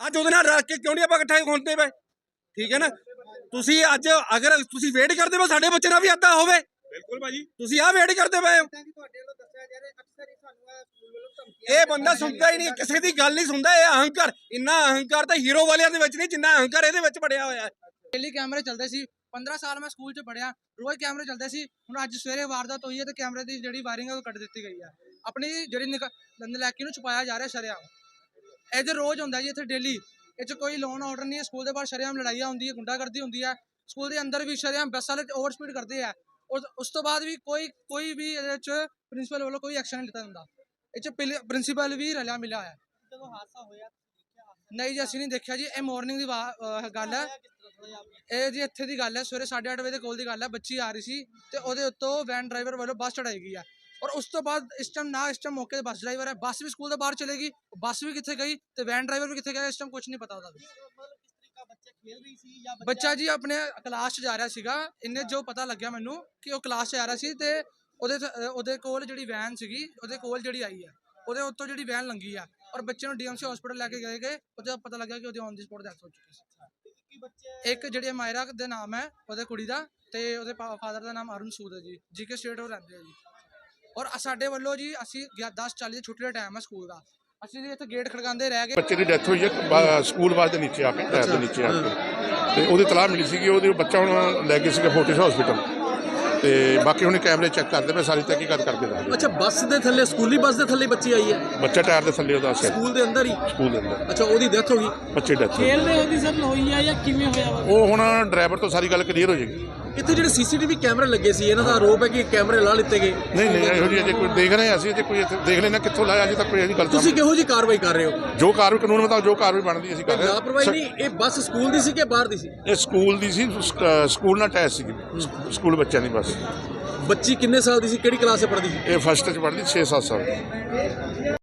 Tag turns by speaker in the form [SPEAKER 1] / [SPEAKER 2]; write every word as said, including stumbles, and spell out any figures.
[SPEAKER 1] ਅੱਜ ਉਹਦੇ ਨਾਲ ਰੱਖ ਕੇ ਕਿਉਂ ਨਹੀਂ ਆਪਾਂ ਇਕੱਠੇ ਹੁੰਦੇ ਪਏ? ਠੀਕ ਹੈ ਨਾ। ਤੁਸੀਂ ਅੱਜ ਅਗਰ ਤੁਸੀਂ ਵੇਟ ਕਰਦੇ ਪਏ ਸਾਡੇ ਬੱਚੇ ਨਾਲ ਵੀ ਏਦਾਂ ਹੋਵੇ,
[SPEAKER 2] ਬਿਲਕੁਲ ਭਾਜੀ
[SPEAKER 1] ਤੁਸੀਂ ਆਹ ਵੇਟ ਕਰਦੇ ਪਏ ਹੋ। ਇਹ ਬੰਦਾ ਸੁਣਦਾ ਹੀ ਨਹੀਂ, ਕਿਸੇ ਦੀ ਗੱਲ ਨਹੀਂ ਸੁਣਦਾ। ਇਹ ਅਹੰਕਾਰ, ਇੰਨਾ ਅਹੰਕਾਰ ਤਾਂ ਹੀਰੋ ਵਾਲਿਆਂ ਦੇ ਵਿੱਚ ਨਹੀਂ ਜਿੰਨਾ ਅਹੰਕਾਰ ਇਹਦੇ ਵਿੱਚ ਬੜਿਆ ਹੋਇਆ ਹੈ।
[SPEAKER 3] डेली कैमरे चलते सी पंद्रह साल मैं स्कूल च पढ़िया, रोज कैमरे चलते सी। हुण अज सवेरे वारदात हुई है तो कैमरे की जिहड़ी वायरिंग है वो कट दी गई है। अपनी जिहड़ी नलैकी नूं छुपाया जा रहा शरेआम। इधर रोज हुंदा जी, इत्थे डेली इह कोई लोन ऑर्डर नहीं है। स्कूल के बाहर शरेआम लड़ाइयां हुंदी है, गुंडागर्दी हुंदी है। स्कूल के अंदर भी शरेआम बस वाले ओवर स्पीड करते हैं और उस तो बाद भी कोई कोई भी इहदे च प्रिंसीपल वालों कोई एक्शन नहीं लिता हुंदा। इह च प्रिंसीपल भी रलिया मिलिया है। जदों हादसा होया नहीं जी असीं नहीं देखिया जी। ये मॉर्निंग की गल है, ਇਹ ਜੀ ਇੱਥੇ ਦੀ ਗੱਲ ਹੈ। ਸਵੇਰੇ ਸਾਢੇ ਅੱਠ ਵਜੇ ਦੇ ਕੋਲ ਦੀ ਗੱਲ ਹੈ। ਬੱਚੀ ਆ ਰਹੀ ਸੀ ਤੇ ਉਹਦੇ ਉੱਤੋਂ ਵੈਨ ਡਰਾਈਵਰ ਵੱਲੋਂ ਬੱਸ ਚੜਾਈ ਗਈ ਹੈ ਔਰ ਉਸ ਤੋਂ ਬਾਅਦ ਇਸ ਟਾਈਮ ਨਾ ਇਸ ਟਾਈਮ ਮੌਕੇ ਤੇ ਬੱਸ ਡਰਾਈਵਰ ਹੈ, ਬੱਸ ਵੀ ਸਕੂਲ ਦੇ ਬਾਹਰ ਚਲੇਗੀ, ਬੱਸ ਵੀ ਕਿੱਥੇ ਗਈ ਤੇ ਵੈਨ ਡਰਾਈਵਰ ਵੀ ਕਿੱਥੇ ਗਿਆ ਇਸ ਟਾਈਮ ਕੁਝ ਨਹੀਂ ਪਤਾ ਉਹਦਾ ਵੀ। ਬੱਚਾ ਜੀ ਆਪਣੇ ਕਲਾਸ 'ਚ ਜਾ ਰਿਹਾ ਸੀਗਾ। ਇਹਨੇ ਜੋ ਪਤਾ ਲੱਗਿਆ ਮੈਨੂੰ ਕਿ ਉਹ ਕਲਾਸ 'ਚ ਆ ਰਿਹਾ ਸੀ ਤੇ ਉਹਦੇ ਉਹਦੇ ਕੋਲ ਜਿਹੜੀ ਵੈਨ ਸੀਗੀ ਉਹਦੇ ਕੋਲ ਜਿਹੜੀ ਆਈ ਹੈ ਉਹਦੇ ਉੱਤੋਂ ਜਿਹੜੀ ਵੈਨ ਲੰਗੀ ਆ ਔਰ ਬੱਚੇ ਨੂੰ ਡੀਐਮਸੀ ਹਸਪੀਟਲ ਲੈ ਕੇ ਗਏ ਗਏ ਉਹਦਾ ਪਤਾ ਲੱਗਿਆ ਕਿ ਉਹਦੀ ਔਨ ਦੀ ਸਪੌਟ ਡੈਥ ਹੋ ਚੁੱਕੀ ਸੀ। ਇੱਕ ਜਿਹੜੀ ਮਾਇਰਾ ਦੇ ਨਾਮ ਹੈ ਉਹਦੇ ਕੁੜੀ ਦਾ ਤੇ ਉਹਦੇ ਫਾਦਰ ਦਾ ਨਾਮ ਅਰੁਣ ਸੂਦ ਹੈ ਜੀ, ਜੀਕੇ ਸਟੇਟ ਉਹ ਰਹਿੰਦੇ ਆ ਜੀ। ਔਰ ਸਾਡੇ ਵੱਲੋਂ ਜੀ ਅਸੀਂ ਦਸ ਚਾਲੀ ਦੀ ਛੁੱਟੀ ਦਾ ਟਾਈਮ ਹੈ ਸਕੂਲ ਦਾ, ਅਸੀਂ ਜੀ ਇੱਥੇ ਗੇਟ ਖੜਕਾਉਂਦੇ ਰਹਿ ਗਏ।
[SPEAKER 4] ਬੱਚੇ ਦੀ ਡੈਥ ਹੋਈ ਹੈ ਸਕੂਲ ਬੱਸ ਦੇ ਨੀਚੇ ਆ ਕੇ, ਟਾਇਰ ਦੇ ਨੀਚੇ ਆ ਕੇ, ਤੇ ਉਹਦੀ ਤਲਾਹ ਮਿਲੀ ਸੀਗੀ। ਉਹਦੇ ਬੱਚਾ ਹੁਣ ਲੈ ਗਏ ਸੀਗੇ ਫੋਰਟਿਸ ਹਸਪੀਟਲ ਤੇ ਬਾਕੀ ਹੁਣ ਕੈਮਰੇ ਚੈੱਕ ਕਰਦੇ ਪਏ, ਸਾਰੀ ਤਹਿਕੀਕਾਤ ਕਰਕੇ ਦੱਸਦੇ।
[SPEAKER 5] ਅੱਛਾ, ਬੱਸ ਦੇ ਥੱਲੇ, ਸਕੂਲੀ ਬੱਸ ਦੇ ਥੱਲੇ ਬੱਚੀ ਆਈ ਹੈ?
[SPEAKER 4] ਬੱਚਾ ਟਾਇਰ ਦੇ ਥੱਲੇ ਉਹਦਾ ਸਿਰ,
[SPEAKER 5] ਸਕੂਲ ਦੇ ਅੰਦਰ ਹੀ?
[SPEAKER 4] ਸਕੂਲ ਦੇ ਅੰਦਰ।
[SPEAKER 5] ਅੱਛਾ, ਉਹਦੀ ਡੈਥ ਹੋ ਗਈ?
[SPEAKER 4] ਬੱਚੇ ਡੈਥ
[SPEAKER 3] ਖੇਲਦੇ ਉਹਦੀ ਸਰ ਹੋਈ ਆ ਜਾਂ ਕਿਵੇਂ ਹੋਇਆ?
[SPEAKER 4] ਉਹ ਹੁਣ ਡਰਾਈਵਰ ਤੋਂ ਸਾਰੀ ਗੱਲ ਕਲੀਅਰ ਹੋ ਜਾਏਗੀ।
[SPEAKER 5] ਇੱਥੇ ਜਿਹੜੇ ਸੀਸੀਟੀਵੀ ਕੈਮਰੇ ਲੱਗੇ ਸੀ ਇਹਨਾਂ ਦਾ ਆਰੋਪ ਹੈ ਕਿ ਕੈਮਰੇ ਲਾ ਲਿੱਤੇ ਗਏ।
[SPEAKER 4] ਨਹੀਂ ਨਹੀਂ ਇਹੋ ਜਿਹੀ ਅਜੇ ਕੋਈ ਦੇਖ ਰਹੇ ਅਸੀਂ, ਅਜੇ ਕੋਈ ਇੱਥੇ ਦੇਖ ਲੈਣਾ ਕਿੱਥੋਂ ਲਾਇਆ, ਅਜੇ ਤੱਕ ਕੋਈ ਇਹਦੀ ਗੱਲ।
[SPEAKER 5] ਤੁਸੀਂ ਕਿਹੋ ਜਿਹੀ ਕਾਰਵਾਈ ਕਰ ਰਹੇ ਹੋ?
[SPEAKER 4] ਜੋ ਕਾਰਵਾਈ ਕਾਨੂੰਨ ਮੁਤਾਬਕ ਜੋ ਕਾਰਵਾਈ ਬਣਦੀ ਅਸੀਂ ਕਰ ਰਹੇ ਹਾਂ।
[SPEAKER 5] ਲਾਪਰਵਾਹੀ ਨਹੀਂ, ਇਹ ਬੱਸ ਸਕੂਲ ਦੀ ਸੀ ਕਿ ਬਾਹਰ ਦੀ ਸੀ?
[SPEAKER 4] ਇਹ ਸਕੂਲ ਦੀ ਸੀ, ਸਕੂਲ ਨਾਲ ਅਟੈਚ ਸੀਗੀ, ਸਕੂਲ ਬੱਚਿਆਂ ਦੀ ਬੱਸ।
[SPEAKER 5] ਬੱਚੀ ਕਿੰਨੇ ਸਾਲ ਦੀ ਸੀ, ਕਿਹੜੀ ਕਲਾਸ 'ਚ ਪੜ੍ਹਦੀ ਸੀ?
[SPEAKER 4] ਇਹ ਫਸਟ 'ਚ ਪੜ੍ਹਦੀ, ਛੇ ਸੱਤ ਸਾਲ।